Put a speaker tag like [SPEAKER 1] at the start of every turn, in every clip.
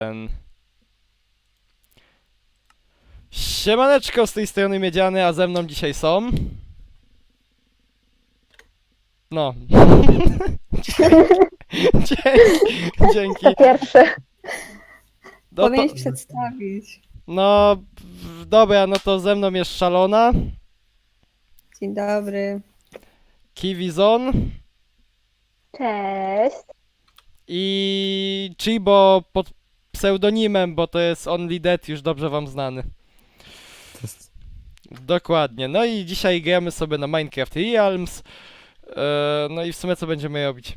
[SPEAKER 1] Siemaneczko, z tej strony Miedziany, a ze mną dzisiaj są... No. Dzięki.
[SPEAKER 2] To pierwsze.
[SPEAKER 1] No,
[SPEAKER 3] Powinieneś przedstawić.
[SPEAKER 1] no, dobra, no to ze mną jest Szalona,
[SPEAKER 3] Dzień dobry.
[SPEAKER 1] Kiwizon
[SPEAKER 2] Cześć.
[SPEAKER 1] i Chibo pod pseudonimem, bo to jest Only Dead, już dobrze wam znany. Dokładnie, no i dzisiaj gramy sobie na Minecraft Realms. No i w sumie co będziemy robić?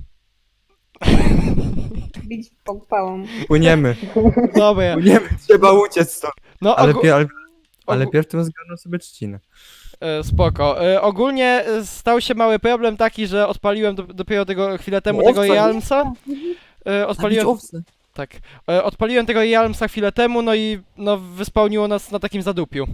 [SPEAKER 3] Bić pałą.
[SPEAKER 4] Płyniemy,
[SPEAKER 1] Dobra,
[SPEAKER 4] płyniemy, trzeba uciec stąd.
[SPEAKER 1] no
[SPEAKER 4] Ale,
[SPEAKER 1] ogó-
[SPEAKER 4] ale
[SPEAKER 1] ogó-
[SPEAKER 4] pierw tym zgarnął sobie trzcinę.
[SPEAKER 1] Spoko. Ogólnie stał się mały problem taki, że odpaliłem dopiero chwilę temu
[SPEAKER 4] Owca,
[SPEAKER 1] tego
[SPEAKER 4] nie?
[SPEAKER 1] Realmsa. Odpaliłem,
[SPEAKER 4] owce.
[SPEAKER 1] tak. Odpaliłem tego Realmsa chwilę temu, no i no wyspałniło nas na takim zadupiu.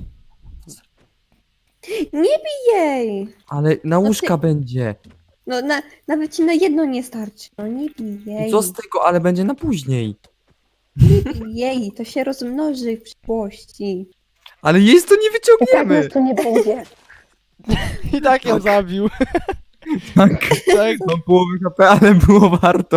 [SPEAKER 3] Nie bij jej!
[SPEAKER 4] Ale na łóżka będzie.
[SPEAKER 3] No nawet ci na jedno nie starczy. No nie bij jej.
[SPEAKER 4] Co z tego, ale będzie na później.
[SPEAKER 3] Nie bij jej, to się rozmnoży w przyszłości.
[SPEAKER 4] Ale jej to nie
[SPEAKER 2] I tak
[SPEAKER 4] wyciągniemy.
[SPEAKER 2] nas tu nie będzie.
[SPEAKER 1] I tak ją zabił.
[SPEAKER 4] Tak,
[SPEAKER 1] Tak.
[SPEAKER 4] mam połowę HP, ale było warto.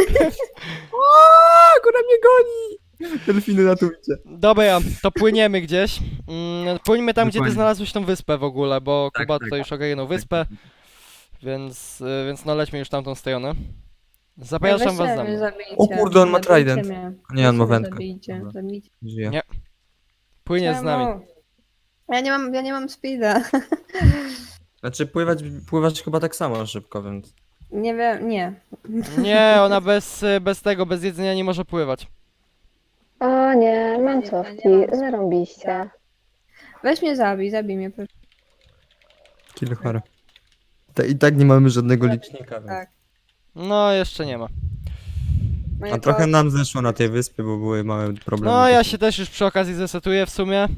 [SPEAKER 4] Góra mnie goni. Delfiny na tu idzie.
[SPEAKER 1] Dobra, to płyniemy gdzieś. Płyniemy tam, gdzie ty
[SPEAKER 4] Dokładnie.
[SPEAKER 1] znalazłeś tą wyspę w ogóle, bo
[SPEAKER 4] Tak,
[SPEAKER 1] Kuba
[SPEAKER 4] tak.
[SPEAKER 1] tutaj już ogarnął wyspę, więc no lećmy już w tamtą stronę.
[SPEAKER 3] Ja
[SPEAKER 1] Zapraszam was za mną.
[SPEAKER 4] O kurde, on ma trident. Nie, on ma wędkę.
[SPEAKER 3] Zabijcie,
[SPEAKER 4] Dobra.
[SPEAKER 3] zabijcie.
[SPEAKER 4] Żyje.
[SPEAKER 1] Nie. Płynie z nami.
[SPEAKER 3] Czemu? Ja nie mam speeda.
[SPEAKER 4] Znaczy pływać chyba tak samo szybko, więc...
[SPEAKER 3] Nie wiem, nie.
[SPEAKER 1] Nie, ona bez tego, bez jedzenia nie może pływać.
[SPEAKER 2] O nie, mam cofki. Zarąbiście.
[SPEAKER 3] Weź mnie zabij mnie proszę.
[SPEAKER 4] Kill horror. I tak nie mamy żadnego licznika, więc...
[SPEAKER 3] Tak.
[SPEAKER 1] No, jeszcze nie ma.
[SPEAKER 3] Moje
[SPEAKER 4] A trochę
[SPEAKER 3] ko-
[SPEAKER 4] nam zeszło na tej wyspie, bo były małe problemy.
[SPEAKER 1] No, ja się też już przy okazji zesetuję w sumie.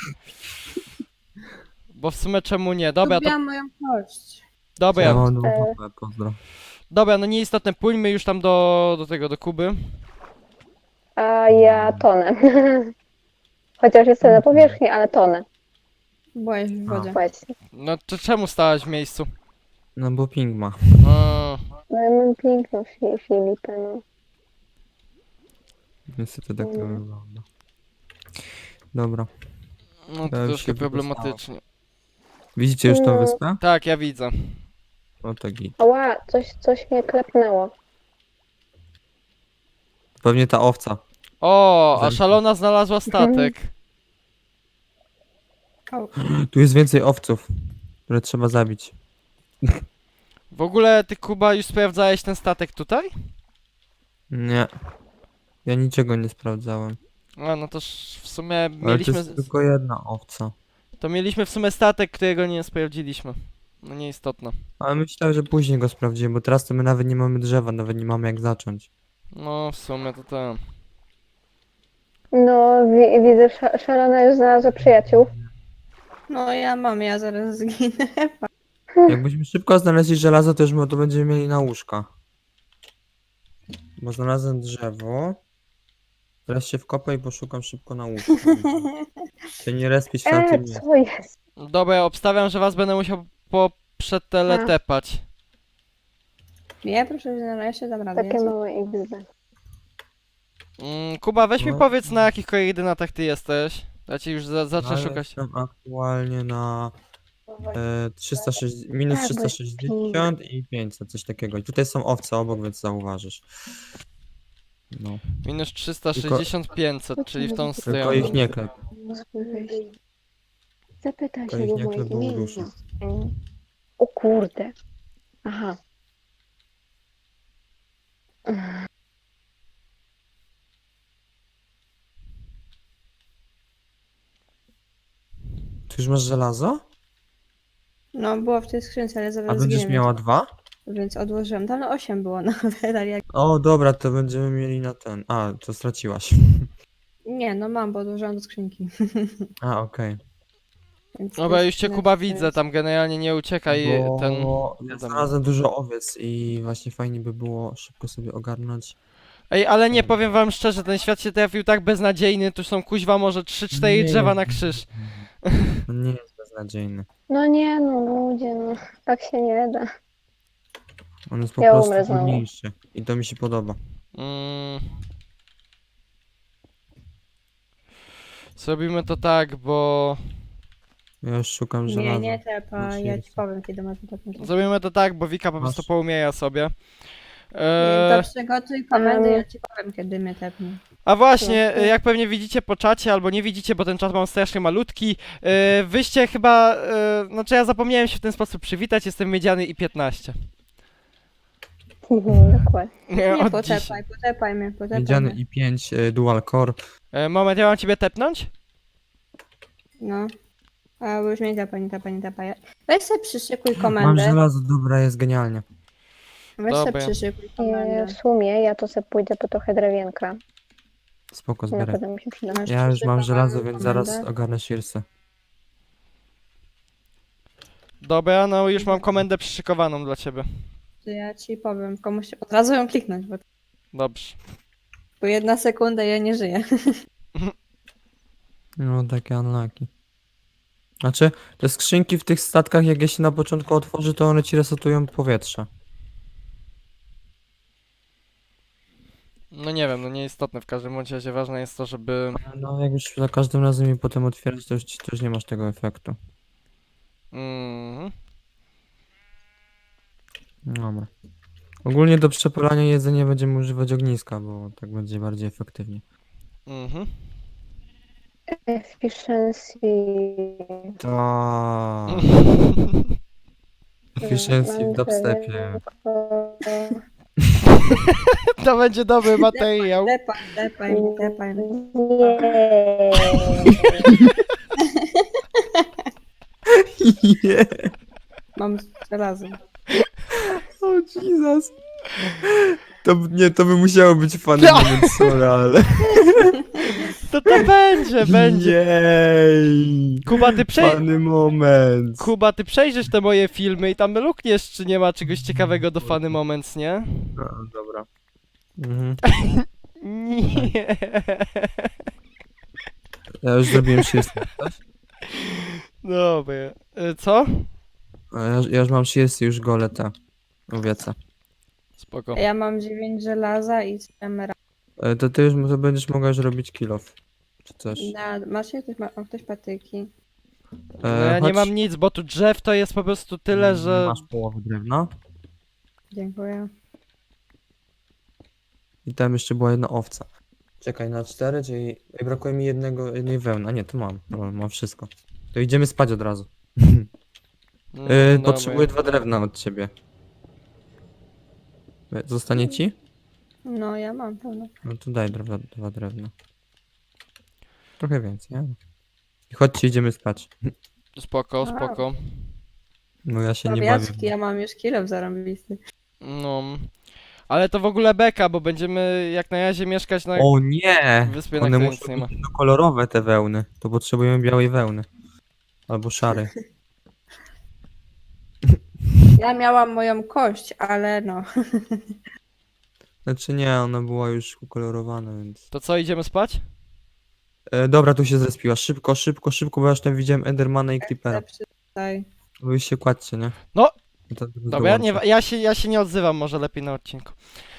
[SPEAKER 1] Bo w sumie czemu nie? Dobra, to
[SPEAKER 3] Lubiłam moją kość.
[SPEAKER 1] dobra,
[SPEAKER 4] Ja mam pozdro.
[SPEAKER 1] dobra, no nieistotne, płyńmy już tam do Kuby.
[SPEAKER 2] A ja tonę. Chociaż jestem na powierzchni, ale tonę.
[SPEAKER 3] Byłaś w wodzie.
[SPEAKER 2] Właśnie.
[SPEAKER 1] No to czemu stałaś w miejscu?
[SPEAKER 4] No bo ping ma.
[SPEAKER 1] O,
[SPEAKER 2] No ja mam piękną Filipę, no.
[SPEAKER 4] Niestety tak to wygląda. Dobra.
[SPEAKER 1] no to
[SPEAKER 4] Ja już
[SPEAKER 1] troszkę
[SPEAKER 4] się
[SPEAKER 1] problematycznie.
[SPEAKER 4] Widzicie już tą wyspę?
[SPEAKER 1] Tak, ja widzę.
[SPEAKER 4] No to git.
[SPEAKER 2] Ała, coś mnie klepnęło.
[SPEAKER 4] Pewnie ta owca.
[SPEAKER 1] O, a
[SPEAKER 4] Zamknij.
[SPEAKER 1] Szalona znalazła statek.
[SPEAKER 4] Tu jest więcej owców, które trzeba zabić.
[SPEAKER 1] W ogóle ty, Kuba, już sprawdzałeś ten statek tutaj?
[SPEAKER 4] Nie. Ja niczego nie sprawdzałem.
[SPEAKER 1] A, no to w sumie
[SPEAKER 4] Ale to
[SPEAKER 1] mieliśmy...
[SPEAKER 4] jest tylko jedna owca.
[SPEAKER 1] To mieliśmy w sumie statek, którego nie sprawdziliśmy. No nieistotne.
[SPEAKER 4] Ale myślałem, że później go sprawdzimy, bo teraz to my nawet nie mamy drzewa, nawet nie mamy jak zacząć.
[SPEAKER 1] No w sumie to tak.
[SPEAKER 2] No, widzę, szalona już znalazła przyjaciół.
[SPEAKER 3] No ja zaraz zginę.
[SPEAKER 4] Jakbyśmy szybko znaleźli żelazo, to już to będziemy mieli na łóżka. Bo znalazłem drzewo. Teraz się wkopę i poszukam szybko na łóżko. Się nie respić w tamtym miejscu.
[SPEAKER 2] Co jest?
[SPEAKER 1] Dobra, obstawiam, że was będę musiał przeteletepać.
[SPEAKER 3] Nie, proszę znaleźć, dam radę.
[SPEAKER 2] Takie małe XD.
[SPEAKER 1] Kuba, weź mi
[SPEAKER 4] No.
[SPEAKER 1] powiedz, na jakich koordynatach ty jesteś. Ja ci już zacznę
[SPEAKER 4] Ale
[SPEAKER 1] szukać.
[SPEAKER 4] Jestem aktualnie na minus
[SPEAKER 2] Tak, bo jest
[SPEAKER 4] 360 i 500, coś takiego. I tutaj są owce obok, więc zauważysz. No.
[SPEAKER 1] Minus 360, 500, czyli w tą
[SPEAKER 4] Tylko
[SPEAKER 1] stronę.
[SPEAKER 4] ich nie klep.
[SPEAKER 2] Zapytaj
[SPEAKER 4] To
[SPEAKER 2] się
[SPEAKER 4] ich
[SPEAKER 2] go
[SPEAKER 4] nie
[SPEAKER 2] moje
[SPEAKER 4] klepią
[SPEAKER 2] imię.
[SPEAKER 4] duszy.
[SPEAKER 2] O kurde. Aha.
[SPEAKER 4] Ty już masz żelazo?
[SPEAKER 3] No, było w tej skrzynce, ale
[SPEAKER 4] A
[SPEAKER 3] zaraz
[SPEAKER 4] będziesz
[SPEAKER 3] zginę,
[SPEAKER 4] miała 2?
[SPEAKER 3] więc odłożyłam. Tam 8 było nawet, ale jak...
[SPEAKER 4] O, dobra, to będziemy mieli na ten. A, to straciłaś.
[SPEAKER 3] Nie, no mam, bo odłożyłam do skrzynki.
[SPEAKER 4] A, okej.
[SPEAKER 3] Więc
[SPEAKER 1] Dobra,
[SPEAKER 3] to
[SPEAKER 1] już cię
[SPEAKER 3] jest-
[SPEAKER 1] Kuba
[SPEAKER 3] to jest-
[SPEAKER 1] widzę, tam generalnie nie uciekaj ten...
[SPEAKER 4] Ja znalazłem dużo owiec i właśnie fajnie by było szybko sobie ogarnąć.
[SPEAKER 1] Ej, ale nie, powiem wam szczerze, ten świat się trafił tak beznadziejny, tu są kuźwa może 3-4 drzewa na krzyż.
[SPEAKER 4] No nie jest beznadziejny.
[SPEAKER 2] No nie, no ludzie, no. Tak się nie da.
[SPEAKER 4] On jest po
[SPEAKER 2] Ja
[SPEAKER 4] prostu
[SPEAKER 2] umrę znowu.
[SPEAKER 4] trudniejszy. I to mi się podoba.
[SPEAKER 1] Mm. Zrobimy to tak, bo...
[SPEAKER 4] Ja już szukam
[SPEAKER 3] Nie,
[SPEAKER 4] żelaza.
[SPEAKER 3] nie tepa,
[SPEAKER 4] Znaczy
[SPEAKER 3] ja
[SPEAKER 4] jest.
[SPEAKER 3] ci powiem, kiedy masz tepnąć.
[SPEAKER 1] Zrobimy to tak, bo Wika po
[SPEAKER 4] Masz.
[SPEAKER 1] prostu poumiera sobie.
[SPEAKER 3] To przygotuj komendę, ja ci powiem, kiedy mnie tepnie.
[SPEAKER 1] A właśnie,
[SPEAKER 2] No.
[SPEAKER 1] jak pewnie widzicie po czacie, albo nie widzicie, bo ten czat mam strasznie malutki, wyście chyba, znaczy ja zapomniałem się w ten sposób przywitać, jestem Miedziany i 15.
[SPEAKER 2] Dokładnie.
[SPEAKER 3] Nie,
[SPEAKER 1] Od dziś.
[SPEAKER 3] potepaj mnie.
[SPEAKER 4] Miedziany i5 dual core.
[SPEAKER 1] Moment, ja mam ciebie tepnąć?
[SPEAKER 3] No. A już mnie nie tepa. Weź sobie przyszykuj
[SPEAKER 4] Mam
[SPEAKER 3] komendę.
[SPEAKER 4] żelazo, dobra, jest genialnie.
[SPEAKER 3] Weź sobie
[SPEAKER 1] Dobra.
[SPEAKER 3] przyszykuj
[SPEAKER 2] W
[SPEAKER 3] komendę.
[SPEAKER 2] sumie ja to sobie pójdę po trochę drewienka.
[SPEAKER 4] Spoko,
[SPEAKER 2] Na
[SPEAKER 4] zbieraj.
[SPEAKER 2] pewno mi się przyda.
[SPEAKER 3] Masz
[SPEAKER 4] Ja już mam
[SPEAKER 3] przyszykowaną
[SPEAKER 4] żelazo, więc zaraz
[SPEAKER 3] komendę?
[SPEAKER 4] ogarnę shirsy.
[SPEAKER 1] Dobra, no już mam komendę przyszykowaną dla ciebie.
[SPEAKER 3] To ja ci powiem, komuś od razu ją kliknąć,
[SPEAKER 1] Dobrze.
[SPEAKER 3] bo 1 sekunda ja nie żyję.
[SPEAKER 4] No, takie unlucky. Znaczy, te skrzynki w tych statkach, jak je się na początku otworzy, to one ci resetują powietrze.
[SPEAKER 1] No nie wiem, no nieistotne w każdym bądź razie, ważne jest to, żeby...
[SPEAKER 4] No, jak już za każdym razem je potem otwierać, to już nie masz tego efektu.
[SPEAKER 1] Mhm.
[SPEAKER 4] Dobra. Ogólnie do przepalania jedzenia będziemy używać ogniska, bo tak będzie bardziej efektywnie.
[SPEAKER 1] Mhm.
[SPEAKER 2] Efficiency.
[SPEAKER 4] Tak. Efficiency w dubstepie.
[SPEAKER 1] To będzie dobry materiał.
[SPEAKER 3] Tepaj.
[SPEAKER 2] Nie.
[SPEAKER 4] Yeah.
[SPEAKER 3] Mam żelazo.
[SPEAKER 4] O Jesus. To by musiało być fajny moment, sorry, ale...
[SPEAKER 1] To będzie.
[SPEAKER 4] Jej.
[SPEAKER 1] Kuba, ty
[SPEAKER 4] Fajny moment.
[SPEAKER 1] Kuba, ty przejrzysz te moje filmy i tam lukniesz, czy nie ma czegoś ciekawego do Funny Moments, nie?
[SPEAKER 4] No, dobra. Mhm.
[SPEAKER 1] Nie.
[SPEAKER 4] Ja już zrobiłem shirsty.
[SPEAKER 1] Dobra. Co?
[SPEAKER 4] Ja już mam shirsty, już gole te owiece.
[SPEAKER 1] Spoko.
[SPEAKER 3] Ja mam 9 żelaza i emerald.
[SPEAKER 4] To ty już to będziesz mogła już robić kill off. Czy coś.
[SPEAKER 3] Masz je? Ktoś patyki.
[SPEAKER 1] No ja nie
[SPEAKER 4] chodź.
[SPEAKER 1] mam nic, bo tu drzew to jest po prostu tyle, że...
[SPEAKER 4] Masz połowę drewna.
[SPEAKER 3] Dziękuję.
[SPEAKER 4] I tam jeszcze była jedna owca. Czekaj, na 4, czyli ej, brakuje mi jednej wełny. A nie, to mam. Dobra, mam wszystko. To idziemy spać od razu.
[SPEAKER 1] Dobra.
[SPEAKER 4] Potrzebuję 2 drewna od ciebie. Zostanie ci?
[SPEAKER 3] No, ja mam pełno.
[SPEAKER 4] No to daj 2 drewna. Trochę więcej, nie? I chodźcie, idziemy spać.
[SPEAKER 1] Spoko, spoko.
[SPEAKER 4] No ja się nie bawię.
[SPEAKER 3] Obiadki, ja mam już kilo zarąbisty.
[SPEAKER 1] No. Ale to w ogóle beka, bo będziemy jak na razie mieszkać na
[SPEAKER 4] O nie!
[SPEAKER 1] wyspie, na
[SPEAKER 4] One
[SPEAKER 1] której nic
[SPEAKER 4] muszą
[SPEAKER 1] nie ma.
[SPEAKER 4] być kolorowe te wełny. To potrzebujemy białej wełny. Albo szarej.
[SPEAKER 3] Ja miałam moją kość, ale no.
[SPEAKER 4] Znaczy nie, ona była już ukolorowana, więc...
[SPEAKER 1] To co, idziemy spać?
[SPEAKER 4] Dobra, tu się zrespiła. Szybko, bo ja już tam widziałem Endermana i Creepera.
[SPEAKER 3] Tutaj.
[SPEAKER 4] Wy się kładźcie, nie?
[SPEAKER 1] No.
[SPEAKER 4] I to zaraz
[SPEAKER 1] Dobra,
[SPEAKER 4] dołączę.
[SPEAKER 1] ja się nie odzywam, może lepiej na odcinku.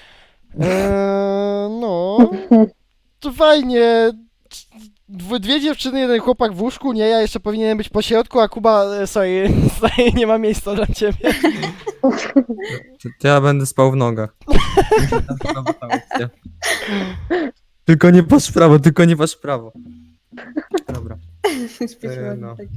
[SPEAKER 1] No. To fajnie. Dwie dziewczyny, jeden chłopak w łóżku, nie, ja jeszcze powinienem być po środku, a Kuba, sorry, nie ma miejsca dla ciebie.
[SPEAKER 4] To ja będę spał w nogach. Mi się tam podoba ta opcja. Tylko nie patrz w prawo, Dobra.
[SPEAKER 3] Śpieszyłam
[SPEAKER 4] no.
[SPEAKER 3] tak.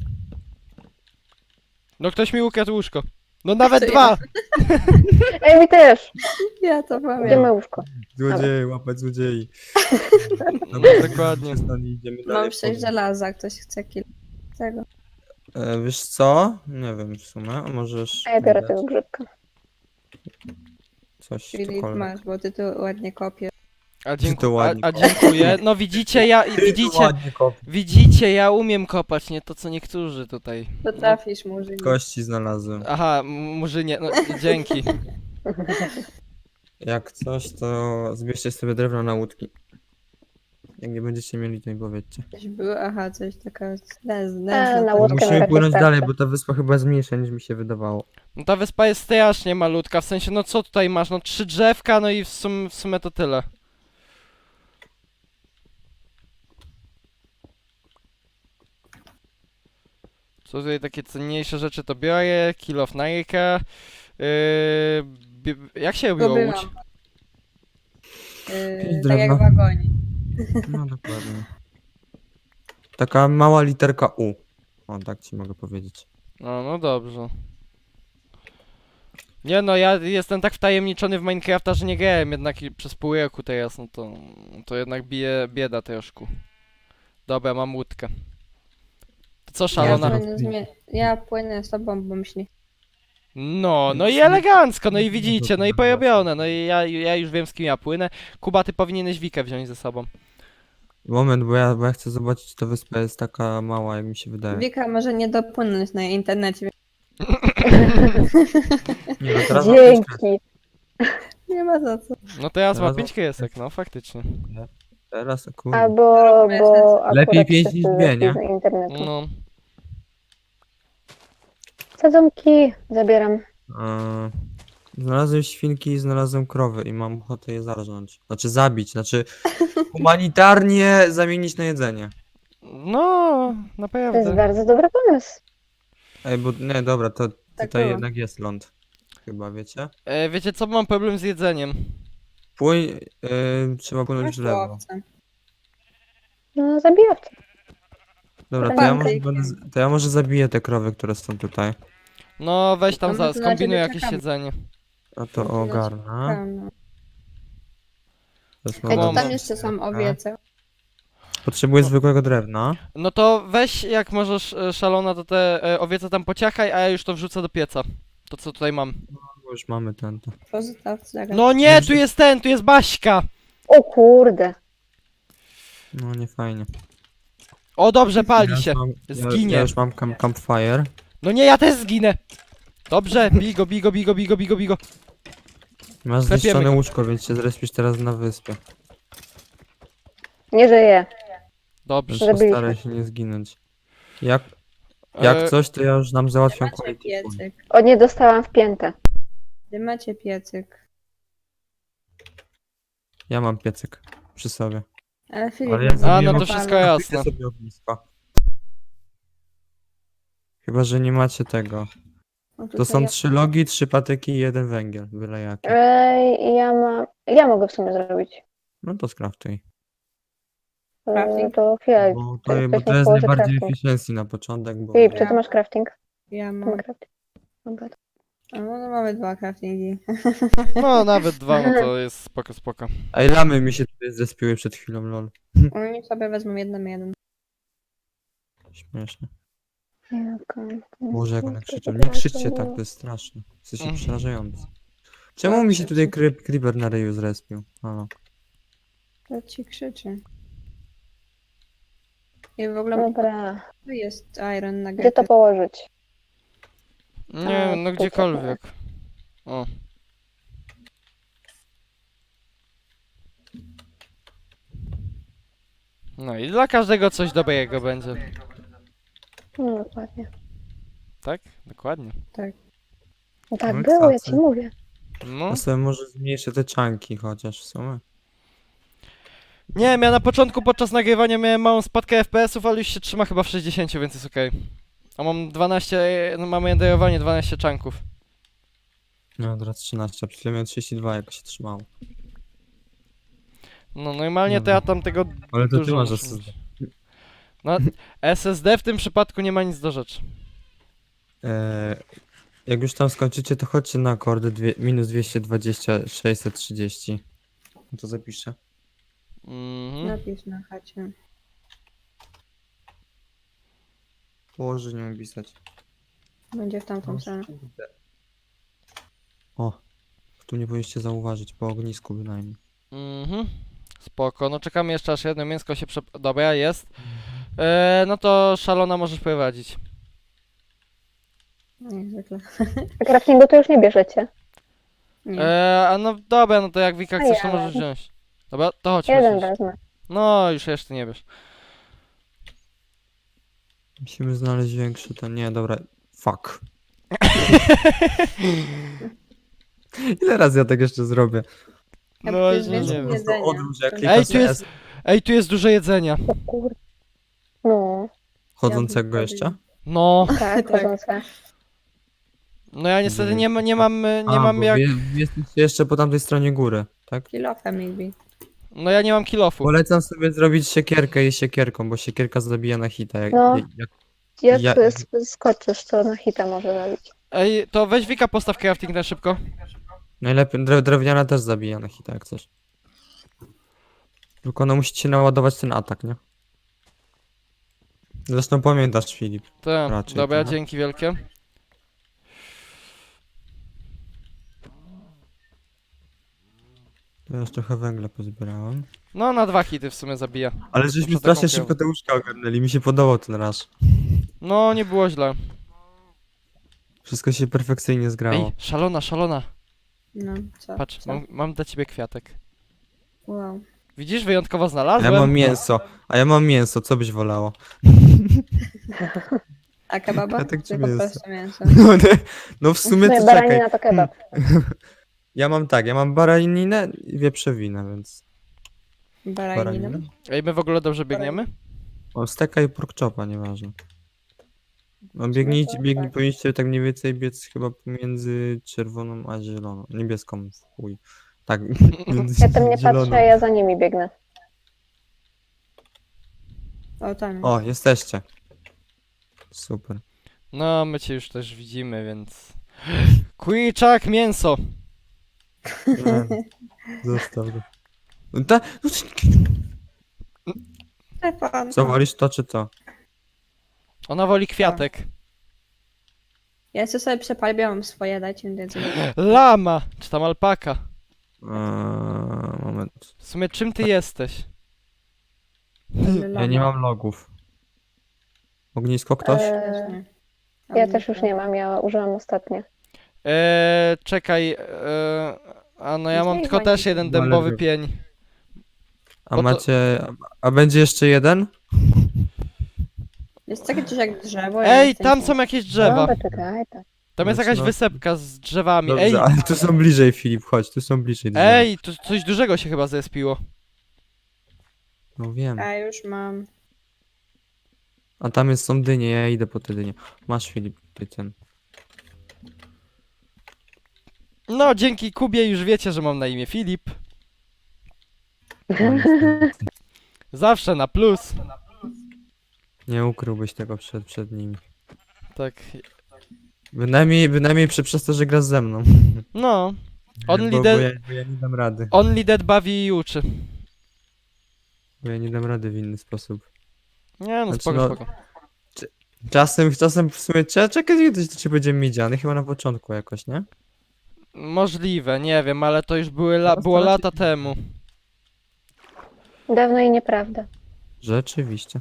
[SPEAKER 1] No ktoś mi ukradł łóżko. No nawet
[SPEAKER 3] To ja.
[SPEAKER 1] dwa!
[SPEAKER 2] Ej, mi też.
[SPEAKER 3] Ja to pamiętam.
[SPEAKER 2] Idziemy łóżko.
[SPEAKER 4] Złodziei, łapać złodziei. Dobra,
[SPEAKER 1] Dokładnie.
[SPEAKER 4] idziemy dalej.
[SPEAKER 3] Mam 6 żelaza, ktoś chce kilo. Tego.
[SPEAKER 4] Wiesz co? Nie wiem w sumie, a możesz...
[SPEAKER 2] A ja biorę
[SPEAKER 4] dać
[SPEAKER 2] tego grzybka.
[SPEAKER 4] Coś,
[SPEAKER 3] Czyli
[SPEAKER 4] cokolwiek.
[SPEAKER 3] masz, bo ty tu ładnie kopiesz.
[SPEAKER 1] A
[SPEAKER 4] ładnie
[SPEAKER 1] dziękuję. No widzicie, widzicie, ja umiem kopać, nie to co niektórzy tutaj.
[SPEAKER 3] Potrafisz murzyni.
[SPEAKER 4] Kości znalazłem.
[SPEAKER 1] Aha, murzynie, no dzięki.
[SPEAKER 4] Jak coś, to zbierzcie sobie drewno na łódki. Jak nie będziecie mieli, to mi powiedzcie.
[SPEAKER 3] Coś było, aha, coś taka
[SPEAKER 2] na łódkę
[SPEAKER 4] Musimy
[SPEAKER 2] raczej
[SPEAKER 4] płynąć
[SPEAKER 2] starczy.
[SPEAKER 4] dalej, bo ta wyspa chyba jest mniejsza niż mi się wydawało.
[SPEAKER 1] No ta wyspa jest strasznie malutka, w sensie, no co tutaj masz? No 3 drzewka, no i w sumie to tyle. Co tutaj takie cenniejsze rzeczy to biorę, kill of Nike. Jak się robiło
[SPEAKER 3] Zgubiłam.
[SPEAKER 1] łódź?
[SPEAKER 4] Jakieś
[SPEAKER 3] Tak jak w
[SPEAKER 4] drewno.
[SPEAKER 3] wagonie.
[SPEAKER 4] No dokładnie. Taka mała literka U. O, tak ci mogę powiedzieć.
[SPEAKER 1] No dobrze. Nie no, ja jestem tak wtajemniczony w Minecrafta, że nie grałem jednak i przez pół roku teraz, no to jednak bije bieda troszkę. Dobra, mam łódkę. To co, szalona?
[SPEAKER 3] Ja płynę z tobą, bo myśli.
[SPEAKER 1] No i elegancko, no i widzicie, no i porobione, no i ja już wiem z kim ja płynę. Kuba, ty powinieneś Wikę wziąć ze sobą.
[SPEAKER 4] Moment, bo ja chcę zobaczyć, czy ta wyspa jest taka mała, jak mi się wydaje.
[SPEAKER 3] Wika może nie dopłynąć na internecie.
[SPEAKER 4] Nie, no teraz mam pięć kresek.
[SPEAKER 2] Dzięki.
[SPEAKER 3] Nie ma za co.
[SPEAKER 1] No teraz ma
[SPEAKER 4] Teraz
[SPEAKER 1] 5 kresek, no faktycznie.
[SPEAKER 4] Teraz, kurde.
[SPEAKER 2] Albo bo
[SPEAKER 4] Lepiej
[SPEAKER 2] akurat
[SPEAKER 4] 5
[SPEAKER 2] wszyscy
[SPEAKER 4] niż 2, nie?
[SPEAKER 2] z internetu.
[SPEAKER 1] No.
[SPEAKER 2] Sadzonki zabieram.
[SPEAKER 4] Znalazłem świnki i znalazłem krowy i mam ochotę je zarżnąć. Znaczy zabić, znaczy humanitarnie zamienić na jedzenie.
[SPEAKER 1] No,
[SPEAKER 2] To jest
[SPEAKER 1] naprawdę.
[SPEAKER 2] bardzo dobry pomysł.
[SPEAKER 4] Ej, bo nie, dobra, to
[SPEAKER 3] Tak
[SPEAKER 4] tutaj
[SPEAKER 3] było.
[SPEAKER 4] jednak jest ląd. Chyba, wiecie?
[SPEAKER 1] Wiecie co, mam problem z jedzeniem.
[SPEAKER 4] Trzeba płynąć w
[SPEAKER 3] Masz
[SPEAKER 4] lewo.
[SPEAKER 3] łowcę.
[SPEAKER 2] No, zabijawcy.
[SPEAKER 4] Dobra,
[SPEAKER 3] Tak,
[SPEAKER 4] to ja,
[SPEAKER 3] tak.
[SPEAKER 4] może, to ja może zabiję te krowy, które są tutaj.
[SPEAKER 1] No weź tam
[SPEAKER 3] No, to na
[SPEAKER 1] skombinuj
[SPEAKER 3] ciebie
[SPEAKER 1] jakieś
[SPEAKER 3] czekamy.
[SPEAKER 1] jedzenie.
[SPEAKER 4] A to
[SPEAKER 3] No,
[SPEAKER 4] ogarnę.
[SPEAKER 3] No.
[SPEAKER 4] Teraz
[SPEAKER 3] Ej,
[SPEAKER 4] mam-
[SPEAKER 3] to tam jeszcze są owiece.
[SPEAKER 4] Potrzebuję zwykłego drewna.
[SPEAKER 1] No to weź jak możesz szalona to te owiece tam pociachaj, a ja już to wrzucę do pieca. To co tutaj mam.
[SPEAKER 4] Bo już mamy ten. To.
[SPEAKER 3] Pozostaw zaraz.
[SPEAKER 1] No nie, tu jest ten, tu jest Baśka!
[SPEAKER 2] O kurde.
[SPEAKER 4] No nie fajnie.
[SPEAKER 1] O dobrze,
[SPEAKER 4] Ja
[SPEAKER 1] pali
[SPEAKER 4] już
[SPEAKER 1] się.
[SPEAKER 4] mam-
[SPEAKER 1] Zginie.
[SPEAKER 4] Ja już mam campfire.
[SPEAKER 1] No nie, ja też zginę! Dobrze, bigo, bigo, bigo, bigo, bigo, bigo.
[SPEAKER 4] Masz
[SPEAKER 1] Klepiemy
[SPEAKER 4] zniszczone
[SPEAKER 1] go.
[SPEAKER 4] łóżko, więc się zrespisz teraz na wyspie.
[SPEAKER 2] Nie żyje.
[SPEAKER 4] Więc
[SPEAKER 1] Dobrze.
[SPEAKER 2] Zabiliśmy.
[SPEAKER 4] postaraj się nie zginąć. Jak
[SPEAKER 1] E,
[SPEAKER 4] coś, to ja już nam załatwiam
[SPEAKER 3] Macie
[SPEAKER 4] quality food.
[SPEAKER 3] piecyk.
[SPEAKER 2] O, nie dostałam w piętę.
[SPEAKER 3] Gdzie macie piecyk?
[SPEAKER 4] Ja mam piecyk przy sobie.
[SPEAKER 3] Ale Filip...
[SPEAKER 4] Ale ja
[SPEAKER 3] nie
[SPEAKER 1] A, no
[SPEAKER 4] zrobiłem
[SPEAKER 1] to
[SPEAKER 3] zapala.
[SPEAKER 1] wszystko jasne.
[SPEAKER 4] Kupię sobie ognisko. Chyba, że nie macie tego.
[SPEAKER 3] O,
[SPEAKER 4] To
[SPEAKER 3] tutaj
[SPEAKER 4] są
[SPEAKER 3] ja-
[SPEAKER 4] 3 logi, 3 patyki i 1 węgiel. Byle jaki.
[SPEAKER 2] Ja mogę w sumie zrobić.
[SPEAKER 4] No to skraftuj.
[SPEAKER 3] Crafting?
[SPEAKER 2] To chwilę.
[SPEAKER 4] Bo
[SPEAKER 2] to
[SPEAKER 4] to, bo
[SPEAKER 2] ktoś
[SPEAKER 4] to
[SPEAKER 2] mi
[SPEAKER 4] jest
[SPEAKER 2] położy
[SPEAKER 4] najbardziej
[SPEAKER 2] crafting.
[SPEAKER 4] efficiency na początek, bo...
[SPEAKER 2] Filip, czy ty masz crafting?
[SPEAKER 3] Ja
[SPEAKER 2] Ty
[SPEAKER 3] mam...
[SPEAKER 2] masz crafting. Dobra.
[SPEAKER 3] No mamy 2 craftingi.
[SPEAKER 1] No nawet 2, no to jest spoko, spoko.
[SPEAKER 4] Ej, lamy mi się tutaj zespiły przed chwilą, lol.
[SPEAKER 3] Oni sobie wezmą jeden.
[SPEAKER 4] Śmieszne.
[SPEAKER 2] Jaka-
[SPEAKER 4] Boże, jak one krzyczą. Nie krzyczcie tak, to jest straszne. Jesteście
[SPEAKER 1] Mhm.
[SPEAKER 4] przerażający. Czemu mi się tutaj creeper na ryju zrespił? Halo.
[SPEAKER 3] To ci krzyczy. I w ogóle
[SPEAKER 2] Dobra.
[SPEAKER 3] tu jest iron na
[SPEAKER 2] Gdzie to położyć?
[SPEAKER 1] Nie wiem, no
[SPEAKER 2] tu
[SPEAKER 1] gdziekolwiek. O. No i dla każdego coś dobrego będzie.
[SPEAKER 2] No dokładnie.
[SPEAKER 1] Tak? Dokładnie.
[SPEAKER 2] Tak
[SPEAKER 4] No i
[SPEAKER 2] było, ja
[SPEAKER 4] cacy.
[SPEAKER 2] ci mówię.
[SPEAKER 1] No.
[SPEAKER 4] Ja sobie może zmniejszę te czanki chociaż w sumie.
[SPEAKER 1] Nie wiem, ja na początku podczas nagrywania miałem małą spadkę FPS-ów, ale już się trzyma chyba w 60, więc jest okej. A mam 12, no mamy renderowanie 12 czanków.
[SPEAKER 4] No teraz 13, a przed chwilą miałem 32, jak się trzymało.
[SPEAKER 1] No normalnie to
[SPEAKER 4] Dobra.
[SPEAKER 1] ja tam tego
[SPEAKER 4] Ale to ty
[SPEAKER 1] dużo
[SPEAKER 4] masz
[SPEAKER 1] muszę
[SPEAKER 4] SSD.
[SPEAKER 1] mieć. No, SSD w tym przypadku nie ma nic do rzeczy.
[SPEAKER 4] Jak już tam skończycie, to chodźcie na akordy minus 220, 630. No to zapiszę.
[SPEAKER 1] Mhm.
[SPEAKER 3] Napisz na chacie.
[SPEAKER 4] Położę, nie mam pisać.
[SPEAKER 3] Będzie w tamtą stronę.
[SPEAKER 4] O, tu nie powinniście zauważyć, po ognisku bynajmniej.
[SPEAKER 1] Mhm. Spoko, no czekamy jeszcze aż jedno mięsko się Dobra, jest. No to szalona możesz prowadzić.
[SPEAKER 3] Jak zwykle.
[SPEAKER 2] A craftingu to już nie bierzecie.
[SPEAKER 3] Nie.
[SPEAKER 1] A no dobra, no to jak Wika chcesz, to
[SPEAKER 2] ja
[SPEAKER 1] możesz wziąć. Dobra, to chodź.
[SPEAKER 2] Jeden
[SPEAKER 1] chodź.
[SPEAKER 2] wezmę.
[SPEAKER 1] No, już jeszcze nie wiesz.
[SPEAKER 4] Musimy znaleźć większy, to nie, dobra. Fuck. Ile razy ja tak jeszcze zrobię?
[SPEAKER 3] Ja
[SPEAKER 1] No,
[SPEAKER 3] to jest
[SPEAKER 1] nie
[SPEAKER 3] więcej
[SPEAKER 1] wiem.
[SPEAKER 4] Po prostu
[SPEAKER 3] jedzenia.
[SPEAKER 4] odłóż, jak
[SPEAKER 3] To
[SPEAKER 4] klikasz
[SPEAKER 1] Ej, tu jest-
[SPEAKER 4] S
[SPEAKER 1] Ej, tu jest dużo jedzenia.
[SPEAKER 2] O kur... No,
[SPEAKER 4] chodzącego
[SPEAKER 3] Ja
[SPEAKER 4] jeszcze?
[SPEAKER 1] No,
[SPEAKER 2] tak,
[SPEAKER 3] Tak.
[SPEAKER 2] chodzące.
[SPEAKER 1] no ja niestety nie mam
[SPEAKER 4] bo
[SPEAKER 1] jak...
[SPEAKER 4] wy jesteście jeszcze po tamtej stronie góry, tak?
[SPEAKER 3] Kilofem maybe.
[SPEAKER 1] No ja nie mam kilofu.
[SPEAKER 4] Polecam sobie zrobić siekierkę i siekierką, bo siekierka zabija na hita.
[SPEAKER 2] No. Jak
[SPEAKER 4] Ja-
[SPEAKER 2] skoczysz, to na hita może zabić.
[SPEAKER 1] Ej, to weź Wika, postaw crafting na szybko.
[SPEAKER 4] Najlepiej, drewniana też zabija na hita, jak coś. Tylko no musicie naładować ten atak, nie? Zresztą pamiętasz, Filip.
[SPEAKER 1] Tak,
[SPEAKER 4] Raczej,
[SPEAKER 1] dobra,
[SPEAKER 4] tak.
[SPEAKER 1] dzięki wielkie.
[SPEAKER 4] To ja już trochę węgla pozbierałem.
[SPEAKER 1] No, na 2 hity w sumie zabija.
[SPEAKER 4] Ale żeśmy
[SPEAKER 1] Muszę
[SPEAKER 4] strasznie
[SPEAKER 1] taką
[SPEAKER 4] szybko te łóżka ogarnęli, mi się podobał ten rush.
[SPEAKER 1] No, nie było źle.
[SPEAKER 4] Wszystko się perfekcyjnie zgrało.
[SPEAKER 1] Ej, szalona.
[SPEAKER 3] No, co?
[SPEAKER 1] Patrz,
[SPEAKER 3] Co?
[SPEAKER 1] mam dla ciebie kwiatek.
[SPEAKER 3] Wow.
[SPEAKER 1] Widzisz, wyjątkowo
[SPEAKER 4] A
[SPEAKER 1] znalazłem.
[SPEAKER 4] ja mam mięso, co byś wolało?
[SPEAKER 3] A kebaba?
[SPEAKER 4] Ja tak ci
[SPEAKER 3] Tylko
[SPEAKER 4] mięso.
[SPEAKER 3] proste mięso.
[SPEAKER 4] No w sumie to czekaj.
[SPEAKER 2] Baranina to kebab.
[SPEAKER 4] Ja mam baraninę i wieprzowinę, więc...
[SPEAKER 3] Baranina.
[SPEAKER 1] Ej, my w ogóle dobrze biegniemy?
[SPEAKER 4] O, steka i pork chopa, nieważne. No powinniście tak mniej więcej biec chyba pomiędzy czerwoną a zieloną. Niebieską, w chuj. Tak, między
[SPEAKER 2] Ja tam nie
[SPEAKER 4] zieloną.
[SPEAKER 2] patrzę, ja za nimi biegnę.
[SPEAKER 3] O, tam.
[SPEAKER 4] O, jesteście. Super.
[SPEAKER 1] No, my cię już też widzimy, więc... Kurczak, mięso!
[SPEAKER 4] Nie, zostaw go. No
[SPEAKER 3] Stefan.
[SPEAKER 4] co, wolisz to czy to?
[SPEAKER 1] Ona woli kwiatek.
[SPEAKER 3] Ja chcę sobie przepalić, ja mam swoje, dajcie mi więcej.
[SPEAKER 1] Lama! Czy tam alpaka?
[SPEAKER 4] Moment.
[SPEAKER 1] W sumie czym ty jesteś?
[SPEAKER 4] Ja nie mam logów. Ognisko ktoś?
[SPEAKER 2] Ja też już nie mam, ja użyłam ostatnio.
[SPEAKER 1] Czekaj, a no ja mam
[SPEAKER 3] Nie
[SPEAKER 1] tylko
[SPEAKER 3] ma
[SPEAKER 1] też
[SPEAKER 3] nic.
[SPEAKER 1] jeden
[SPEAKER 4] No, ale
[SPEAKER 1] dębowy
[SPEAKER 4] wy-
[SPEAKER 1] pień.
[SPEAKER 4] A
[SPEAKER 1] bo to-
[SPEAKER 4] macie... A będzie jeszcze jeden?
[SPEAKER 3] Jest takie coś jak drzewo. ja
[SPEAKER 1] Ej,
[SPEAKER 3] jestem
[SPEAKER 1] tam
[SPEAKER 3] się-
[SPEAKER 1] są jakieś drzewa.
[SPEAKER 2] Dobra, czekaj, tak.
[SPEAKER 1] Tam jest
[SPEAKER 4] Znaczy,
[SPEAKER 1] jakaś
[SPEAKER 4] no-
[SPEAKER 1] wysepka z drzewami.
[SPEAKER 4] Dobrze,
[SPEAKER 1] Ej,
[SPEAKER 4] ale tu są bliżej, Filip, chodź, tu są bliżej drzewa.
[SPEAKER 1] ej, tu coś dużego się chyba zespiło.
[SPEAKER 4] No wiem.
[SPEAKER 3] A już mam.
[SPEAKER 4] A tam są dynie, ja idę po te dynie. Masz, Filip, ty ten.
[SPEAKER 1] No, dzięki Kubie już wiecie, że mam na imię Filip.
[SPEAKER 4] No, niestety.
[SPEAKER 1] Zawsze na plus.
[SPEAKER 4] Nie ukryłbyś tego przed nimi.
[SPEAKER 1] Tak,
[SPEAKER 4] Bynajmniej przez to, że grasz ze mną.
[SPEAKER 1] no. Only
[SPEAKER 4] bo
[SPEAKER 1] dead,
[SPEAKER 4] ja nie dam rady.
[SPEAKER 1] only dead bawi i uczy.
[SPEAKER 4] Bo ja nie dam rady w inny sposób.
[SPEAKER 1] Nie no,
[SPEAKER 4] Znaczy,
[SPEAKER 1] spoko,
[SPEAKER 4] no-
[SPEAKER 1] spoko.
[SPEAKER 4] Czasem w sumie czekaj, kiedy to ci będzie midziany, chyba na początku jakoś, nie?
[SPEAKER 1] Możliwe, nie wiem, ale to już było
[SPEAKER 4] Teraz to
[SPEAKER 1] lata temu.
[SPEAKER 2] Dawno i nieprawda.
[SPEAKER 4] Rzeczywiście.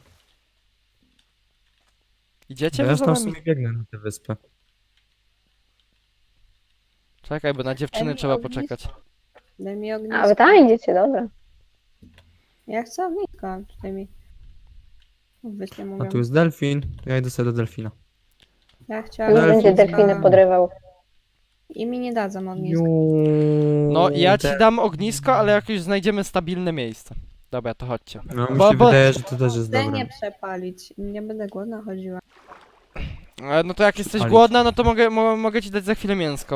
[SPEAKER 1] Idziecie
[SPEAKER 4] Ja
[SPEAKER 1] wy
[SPEAKER 4] już
[SPEAKER 1] za
[SPEAKER 4] tam w
[SPEAKER 1] nami?
[SPEAKER 4] sumie biegnę na tę wyspę.
[SPEAKER 1] Czekaj, bo na dziewczyny
[SPEAKER 3] Ej,
[SPEAKER 1] trzeba
[SPEAKER 3] ognisko.
[SPEAKER 1] poczekać.
[SPEAKER 3] Daj mi ognisko.
[SPEAKER 2] A wy tam idziecie, dobra.
[SPEAKER 3] Ja chcę ognisko. Tutaj mi. Wyślę
[SPEAKER 4] A
[SPEAKER 3] mówią.
[SPEAKER 4] tu jest delfin, to ja idę sobie do delfina.
[SPEAKER 3] Ja
[SPEAKER 2] Już
[SPEAKER 3] chciałam.
[SPEAKER 4] Delfin.
[SPEAKER 2] będzie delfiny podrywał.
[SPEAKER 3] I mi nie dadzą ognisko.
[SPEAKER 1] No, ja ci dam ognisko, ale jak już znajdziemy stabilne miejsce. Dobra, to chodźcie.
[SPEAKER 4] No mi
[SPEAKER 1] Bo-
[SPEAKER 4] się
[SPEAKER 1] bo-
[SPEAKER 4] wydaje, że to też jest
[SPEAKER 3] Chcę
[SPEAKER 4] dobre.
[SPEAKER 3] nie przepalić. Nie będę głodna chodziła.
[SPEAKER 1] No to jak jesteś
[SPEAKER 4] Spalić.
[SPEAKER 1] głodna, no to mogę ci dać za chwilę mięsko.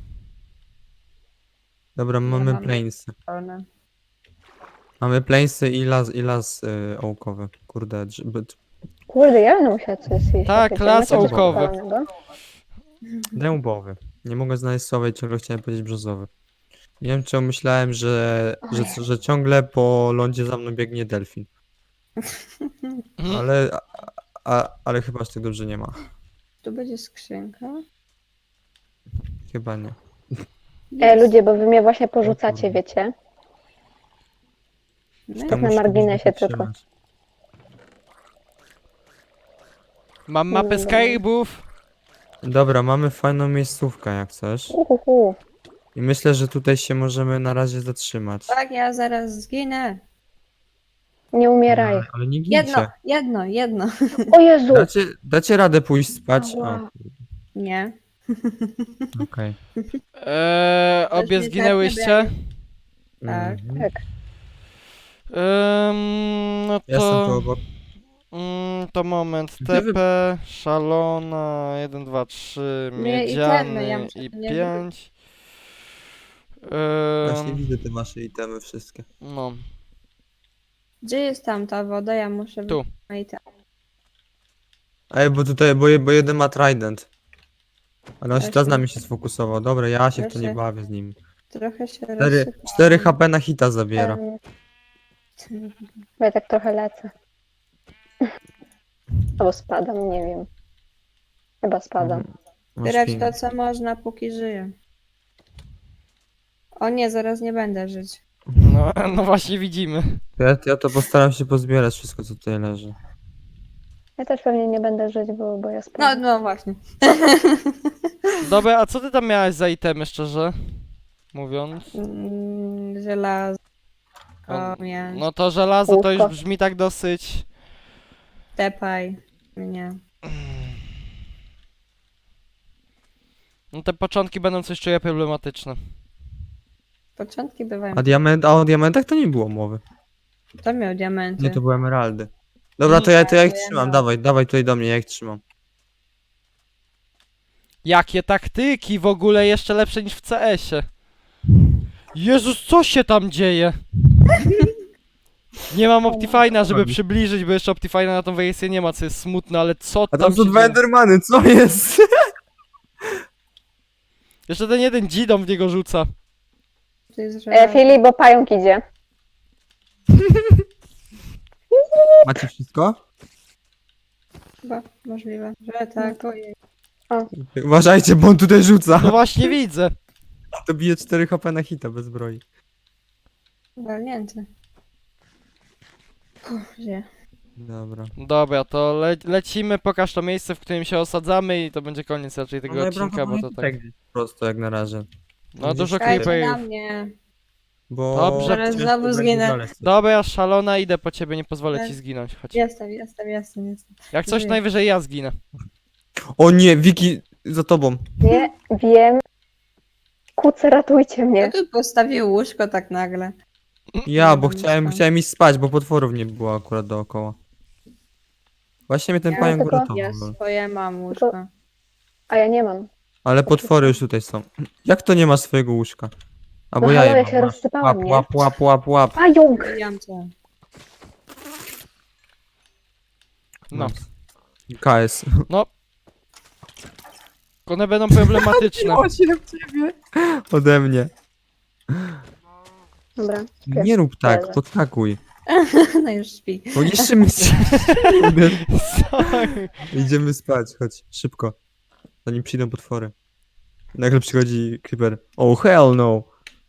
[SPEAKER 4] Dobra, mamy
[SPEAKER 3] mam-
[SPEAKER 4] plainsy.
[SPEAKER 3] Pełne.
[SPEAKER 4] Mamy plainsy i las ołkowy. Kurde,
[SPEAKER 2] Kurde, ja będę musiała coś zjeść.
[SPEAKER 1] Tak,
[SPEAKER 2] Wiecie,
[SPEAKER 1] las
[SPEAKER 2] macie coś
[SPEAKER 1] ołkowy.
[SPEAKER 2] pełnego?
[SPEAKER 4] dębowy. Nie mogę znaleźć słowa i ciągle chciałem powiedzieć brzozowy. Nie wiem, czemu myślałem, że ciągle po lądzie za mną biegnie delfin.
[SPEAKER 1] Mhm.
[SPEAKER 4] Ale chyba aż tak dobrze nie ma.
[SPEAKER 3] Tu będzie skrzynka.
[SPEAKER 4] Chyba nie.
[SPEAKER 2] Ludzie, bo wy mnie właśnie porzucacie,
[SPEAKER 4] kurde.
[SPEAKER 2] wiecie?
[SPEAKER 3] No
[SPEAKER 4] To
[SPEAKER 2] na
[SPEAKER 4] muszę
[SPEAKER 2] marginesie
[SPEAKER 4] gdzieś
[SPEAKER 2] tylko.
[SPEAKER 4] wytrzymać.
[SPEAKER 1] Mam mapę
[SPEAKER 2] Dobra.
[SPEAKER 1] skarbów.
[SPEAKER 4] Dobra, mamy fajną miejscówkę, jak chcesz.
[SPEAKER 2] Uhuhu.
[SPEAKER 4] I myślę, że tutaj się możemy na razie zatrzymać.
[SPEAKER 3] Tak, ja zaraz zginę.
[SPEAKER 2] Nie umieraj.
[SPEAKER 4] Ale nie
[SPEAKER 3] Jedno,
[SPEAKER 4] gincie.
[SPEAKER 3] jedno.
[SPEAKER 2] O Jezu!
[SPEAKER 4] Dacie radę pójść spać?
[SPEAKER 2] Ała.
[SPEAKER 3] Nie.
[SPEAKER 4] Okej.
[SPEAKER 1] Obie
[SPEAKER 3] mnie
[SPEAKER 1] zginęłyście?
[SPEAKER 3] Tak.
[SPEAKER 4] Mhm.
[SPEAKER 2] Tak.
[SPEAKER 1] No
[SPEAKER 4] Ja jestem tu
[SPEAKER 1] to...
[SPEAKER 4] obok.
[SPEAKER 1] To moment.
[SPEAKER 4] Gdzie wy-
[SPEAKER 1] TP, szalona, 1, 2, 3,
[SPEAKER 3] Nie, i
[SPEAKER 1] miedziany
[SPEAKER 3] ten, ja muszę
[SPEAKER 1] i
[SPEAKER 3] to nie
[SPEAKER 1] 5.
[SPEAKER 4] Właśnie widzę te wasze itemy wszystkie.
[SPEAKER 1] No,
[SPEAKER 3] Gdzie jest tam ta woda? Ja muszę...
[SPEAKER 1] Tu.
[SPEAKER 3] I tam.
[SPEAKER 4] Ej, bo tutaj, bo jeden ma trident. Ale on się teraz
[SPEAKER 3] Właśnie.
[SPEAKER 4] na mnie się sfokusował. Dobra, ja się w to nie
[SPEAKER 3] Właśnie.
[SPEAKER 4] bawię z nim.
[SPEAKER 3] Trochę się
[SPEAKER 4] 4 HP na hita zabiera.
[SPEAKER 2] Bo ja tak trochę lecę. Albo spadam, nie wiem. Chyba spadam.
[SPEAKER 4] Masz
[SPEAKER 3] Zbierać
[SPEAKER 4] ping.
[SPEAKER 3] to, co można, póki żyję. O nie, zaraz nie będę żyć.
[SPEAKER 1] no właśnie widzimy.
[SPEAKER 4] Ja to postaram się pozbierać wszystko, co tutaj leży.
[SPEAKER 2] Ja też pewnie nie będę żyć, bo ja
[SPEAKER 3] No,
[SPEAKER 2] spadam.
[SPEAKER 3] no właśnie.
[SPEAKER 1] Dobra, a co ty tam miałeś za itemy, szczerze mówiąc?
[SPEAKER 3] Żelazo.
[SPEAKER 1] No,
[SPEAKER 3] Mięs.
[SPEAKER 1] No to żelazo to już
[SPEAKER 2] Łóżko.
[SPEAKER 1] brzmi tak dosyć...
[SPEAKER 3] Tepaj. Nie.
[SPEAKER 1] No te początki będą coś czuję problematyczne.
[SPEAKER 3] Początki bywają.
[SPEAKER 4] A o diamentach to nie było mowy.
[SPEAKER 3] To miał diamenty.
[SPEAKER 4] Nie, to były emeraldy. Dobra, to ja ich
[SPEAKER 3] to ja
[SPEAKER 4] trzymam.
[SPEAKER 3] mam.
[SPEAKER 4] Dawaj tutaj do mnie, ja ich trzymam.
[SPEAKER 1] Jakie taktyki w ogóle jeszcze lepsze niż w CS-ie. Jezus, co się tam dzieje? Nie mam Optifine'a, żeby
[SPEAKER 4] robi?
[SPEAKER 1] przybliżyć, bo jeszcze Optifine'a na tą wersję nie ma, co jest smutne, ale co
[SPEAKER 4] A
[SPEAKER 1] tam
[SPEAKER 4] tam są
[SPEAKER 1] się
[SPEAKER 4] dwa
[SPEAKER 1] dzieje?
[SPEAKER 4] endermany, co jest?
[SPEAKER 1] Jeszcze ten jeden dzidom w niego rzuca.
[SPEAKER 3] To jest żelazo.
[SPEAKER 2] Filip, bo pająk idzie.
[SPEAKER 4] Macie wszystko?
[SPEAKER 3] Chyba możliwe, że tak. Ojej.
[SPEAKER 4] Uważajcie, bo on tutaj rzuca.
[SPEAKER 1] No właśnie widzę.
[SPEAKER 4] To bije 4 HP na hita bez zbroi.
[SPEAKER 3] Walnięty. Gdzie?
[SPEAKER 4] Dobra.
[SPEAKER 1] Dobra, to lecimy, pokaż to miejsce, w którym się osadzamy i to będzie koniec raczej tego odcinka, bo to tak...
[SPEAKER 4] Prosto jak na razie.
[SPEAKER 1] No dużo
[SPEAKER 3] Czekajcie na
[SPEAKER 1] creeperów.
[SPEAKER 3] mnie.
[SPEAKER 4] Bo
[SPEAKER 1] Dobrze.
[SPEAKER 3] Zaraz
[SPEAKER 4] ciężko
[SPEAKER 3] znowu
[SPEAKER 4] będzie
[SPEAKER 3] zginę.
[SPEAKER 4] znaleźć.
[SPEAKER 1] Dobra, szalona, idę po ciebie, nie pozwolę ci
[SPEAKER 3] Tak.
[SPEAKER 1] zginąć, chodź.
[SPEAKER 3] Jestem.
[SPEAKER 1] Jak coś,
[SPEAKER 3] Żyję.
[SPEAKER 1] najwyżej ja zginę.
[SPEAKER 4] O nie, Wiki, za tobą.
[SPEAKER 2] Nie, wiem. Kucy, ratujcie mnie.
[SPEAKER 3] Kto tu postawił łóżko tak nagle?
[SPEAKER 4] Ja, bo
[SPEAKER 3] wiem,
[SPEAKER 4] chciałem iść spać, bo potworów nie było akurat dookoła. Właśnie mnie ten
[SPEAKER 3] Ja
[SPEAKER 4] pająk
[SPEAKER 2] tylko-
[SPEAKER 4] uratował.
[SPEAKER 3] Ja
[SPEAKER 4] lol.
[SPEAKER 3] swoje mam łóżko.
[SPEAKER 2] A ja nie mam.
[SPEAKER 4] Ale potwory już tutaj są. Jak to nie ma swojego łóżżka? Albo
[SPEAKER 2] No
[SPEAKER 4] ja
[SPEAKER 2] halo,
[SPEAKER 4] je
[SPEAKER 2] ja
[SPEAKER 4] mam.
[SPEAKER 2] się rozsypałam, nie?
[SPEAKER 4] Łap.
[SPEAKER 2] Pająk!
[SPEAKER 3] Zabijam cię.
[SPEAKER 1] No.
[SPEAKER 4] KS.
[SPEAKER 1] One będą problematyczne.
[SPEAKER 4] się w ciebie. Ode mnie.
[SPEAKER 2] Dobra.
[SPEAKER 4] Nie rób tak,
[SPEAKER 2] Leżę.
[SPEAKER 4] podskakuj.
[SPEAKER 3] No już śpi.
[SPEAKER 4] Bo niszczymy się.
[SPEAKER 1] Sorry.
[SPEAKER 4] Idziemy spać, chodź, szybko. Zanim przyjdą potwory. Nagle przychodzi creeper. Oh hell no.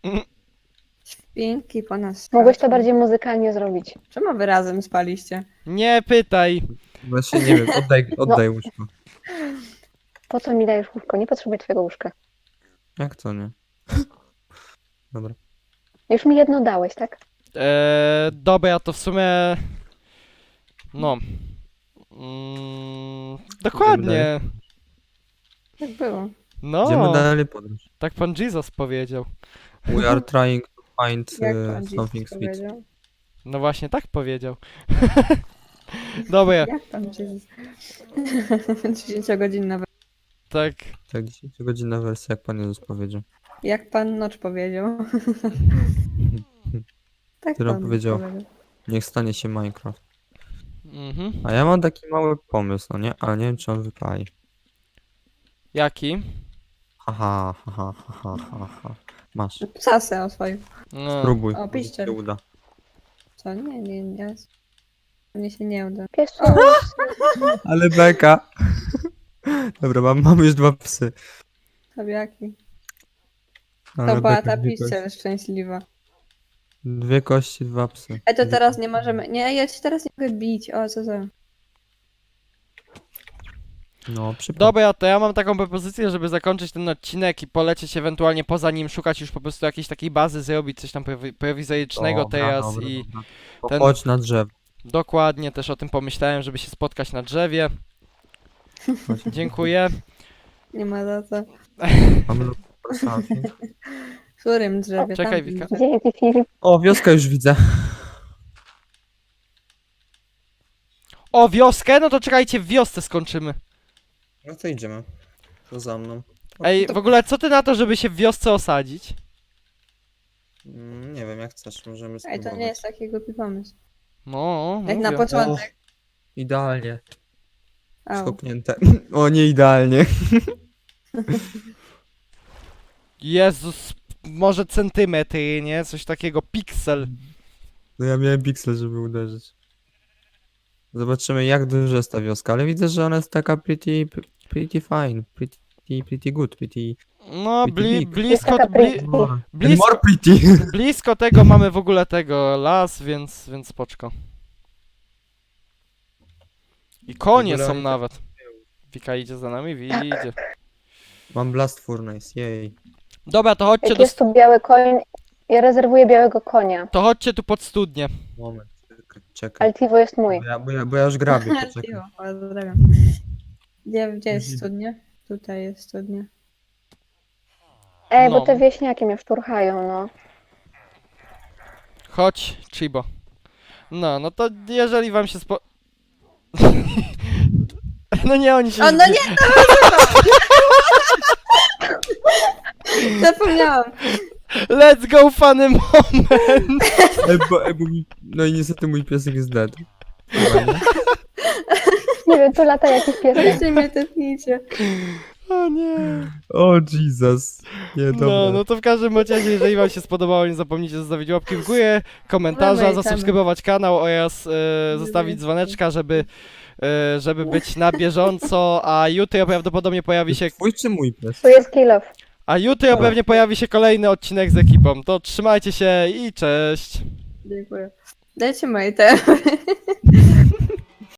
[SPEAKER 3] Śpinki po nas.
[SPEAKER 2] Mogłeś to
[SPEAKER 3] skaczą.
[SPEAKER 2] bardziej muzykalnie zrobić.
[SPEAKER 3] Czemu wy razem spaliście?
[SPEAKER 1] Nie pytaj.
[SPEAKER 4] Właśnie nie wiem, oddaj łóżko.
[SPEAKER 2] Po co mi dajesz łóżko? Nie potrzebuję twojego łóżka.
[SPEAKER 4] Jak to nie? Dobra.
[SPEAKER 2] Już mi jedno dałeś, tak?
[SPEAKER 1] Dobra, to w sumie... No. Dokładnie.
[SPEAKER 3] Tak było.
[SPEAKER 4] Idziemy
[SPEAKER 1] No,
[SPEAKER 4] dalej podróż.
[SPEAKER 1] tak pan Jesus powiedział.
[SPEAKER 4] We are trying to find
[SPEAKER 3] Jak pan
[SPEAKER 4] something
[SPEAKER 3] Jesus
[SPEAKER 4] sweet.
[SPEAKER 3] powiedział?
[SPEAKER 1] No właśnie, tak powiedział. Dobra,
[SPEAKER 3] Jak pan Jesus? 10-godzinna
[SPEAKER 1] tak.
[SPEAKER 4] Tak, 10-godzinna wersja, jak Pan Jezus powiedział.
[SPEAKER 3] Jak pan Nocz powiedział. Tak
[SPEAKER 4] Którą
[SPEAKER 3] pan
[SPEAKER 4] powiedział. Niech stanie się Minecraft.
[SPEAKER 1] Mhm.
[SPEAKER 4] A ja mam taki mały pomysł, no nie? Ale nie wiem, czy on wypali.
[SPEAKER 1] Jaki?
[SPEAKER 4] Haha. Masz.
[SPEAKER 3] Sasę o swoim.
[SPEAKER 1] No.
[SPEAKER 4] Spróbuj.
[SPEAKER 3] O,
[SPEAKER 4] może
[SPEAKER 3] piszczel.
[SPEAKER 4] się uda.
[SPEAKER 3] Co? Nie. Mnie się nie uda.
[SPEAKER 2] Piesu.
[SPEAKER 4] Ale beka. Dobra, mam już 2 psy.
[SPEAKER 3] Tabiaki.
[SPEAKER 4] Ale
[SPEAKER 3] To była
[SPEAKER 4] beka,
[SPEAKER 3] ta
[SPEAKER 4] 2 kości.
[SPEAKER 3] piszczel szczęśliwa.
[SPEAKER 4] 2 kości, 2 psy.
[SPEAKER 3] To teraz nie możemy. Nie, ja ci teraz nie mogę bić. O, co za.
[SPEAKER 4] No, przypomnę.
[SPEAKER 1] Dobra, to ja mam taką propozycję, żeby zakończyć ten odcinek i polecieć ewentualnie poza nim, szukać już po prostu jakiejś takiej bazy, zrobić coś tam prowizorycznego teraz i ten-
[SPEAKER 4] Chodź na drzewo.
[SPEAKER 1] dokładnie też o tym pomyślałem, żeby się spotkać na drzewie. Dziękuję.
[SPEAKER 3] Nie ma za co.
[SPEAKER 4] Mamy postaci.
[SPEAKER 3] W którym drzewie?
[SPEAKER 1] Czekaj,
[SPEAKER 3] Tamtym
[SPEAKER 1] Wika.
[SPEAKER 3] drzewie.
[SPEAKER 2] Dzięki, Filip.
[SPEAKER 4] O, wioskę już widzę.
[SPEAKER 1] O, wioskę? No to czekajcie, w wiosce skończymy.
[SPEAKER 4] No to idziemy. To za mną.
[SPEAKER 1] Ej, w ogóle co ty na to, żeby się w wiosce osadzić?
[SPEAKER 4] Nie wiem, jak chcesz, możemy
[SPEAKER 3] Ej,
[SPEAKER 4] spróbować.
[SPEAKER 3] to nie jest taki głupi pomysł.
[SPEAKER 1] No,
[SPEAKER 3] Jak na
[SPEAKER 1] mówię.
[SPEAKER 3] początek.
[SPEAKER 4] Idealnie.
[SPEAKER 3] Au.
[SPEAKER 4] Schopnięte. O, nie idealnie.
[SPEAKER 1] Jezus, może centymetry, nie? Coś takiego, piksel.
[SPEAKER 4] No ja miałem piksel, żeby uderzyć. Zobaczymy, jak duża jest ta wioska, ale widzę, że ona jest taka pretty fine, pretty good, pretty...
[SPEAKER 1] No,
[SPEAKER 4] Pretty big.
[SPEAKER 1] blisko,
[SPEAKER 2] Taka
[SPEAKER 4] More,
[SPEAKER 1] blisko,
[SPEAKER 4] more pretty.
[SPEAKER 1] blisko tego mamy w ogóle tego las, więc spoczko. I konie
[SPEAKER 4] W ogóle
[SPEAKER 1] są
[SPEAKER 4] oni
[SPEAKER 1] nawet. Wika idzie za nami, idzie.
[SPEAKER 4] Mam blast furnace, jej.
[SPEAKER 1] Dobra, to chodźcie
[SPEAKER 2] Jak
[SPEAKER 1] do,
[SPEAKER 2] jest tu biały koń, ja rezerwuję białego konia.
[SPEAKER 1] to chodźcie tu pod studnię.
[SPEAKER 4] Moment, czekaj.
[SPEAKER 2] Altivo jest mój.
[SPEAKER 4] Bo ja już grabię, poczekaj.
[SPEAKER 3] Cicho, pozdrawiam. Gdzie jest studnia? Tutaj jest studnia.
[SPEAKER 2] Ej,
[SPEAKER 1] No.
[SPEAKER 2] bo te wieśniaki mnie szturchają, no.
[SPEAKER 1] Chodź, Chibo. No to jeżeli wam się No nie, oni się...
[SPEAKER 3] O, no nie! Zapomniałam.
[SPEAKER 1] Let's go, funny moment!
[SPEAKER 4] Bo no i niestety mój piesek jest dead. Chyba, nie?
[SPEAKER 2] Nie wiem, tu lata jakiś piesek.
[SPEAKER 3] Weźcie mnie tepnijcie.
[SPEAKER 1] O nie.
[SPEAKER 4] O Jesus. Nie, dobra.
[SPEAKER 1] No to w każdym razie, jeżeli wam się spodobało, nie zapomnijcie zostawić łapki w górę, komentarza,
[SPEAKER 3] Mamy,
[SPEAKER 1] zasubskrybować kanał oraz zostawić dzwoneczka, żeby być na bieżąco, a jutro prawdopodobnie pojawi się...
[SPEAKER 4] Twój czy mój pies?
[SPEAKER 2] Tu jest kill off.
[SPEAKER 1] A jutro pewnie pojawi się kolejny odcinek z ekipą. To trzymajcie się i cześć!
[SPEAKER 3] Dziękuję. Dajcie moje temy.